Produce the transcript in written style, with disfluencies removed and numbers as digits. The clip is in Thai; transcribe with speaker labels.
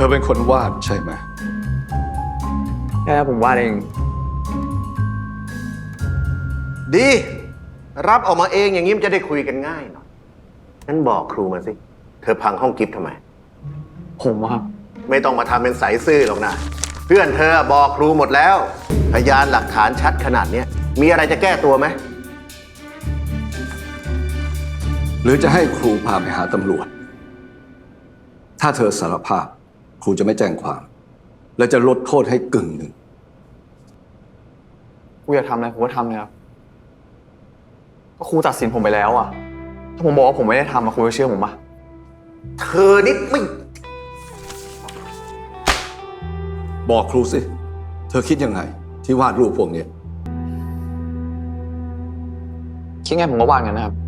Speaker 1: อเป็นคนวาดใช่ไหม
Speaker 2: ใช่ครับผมวาดเอง
Speaker 3: ดี รับออกมาเองอย่างนี้มันจะได้คุยกันง่ายหน่อยงั้นบอกครูมาสิ เธอพังห้องกิฟต์ทำไม
Speaker 2: ผมครับ
Speaker 3: ไม่ต้องมาทำเป็นใสซื่อหรอกนะ เพื่อนเธอบอกครูหมดแล้ว พยานหลักฐานชัดขนาดนี้มีอะไรจะแก้ตัวไหม
Speaker 1: หรือจะให้ครูพาไปหาตำรวจ ถ้าเธอสารภาพ ครูจะไม่แจ้งความ และจะลดโทษให้กึ่งหนึ่ง
Speaker 2: ครูอยากทำอะไรผมก็ทำเลยครับก็ครูตัดสินผมไปแล้วอ่ะ ถ้าผมบอกว่าผมไม่ได้ทำครูจะเชื่อผมปะ
Speaker 3: เธอนี่ไม่
Speaker 1: บอกครูสิ เธอคิดยังไง ที่วาดรูปพวกนี้
Speaker 2: คิดไงผมก็วาดกันนะครับ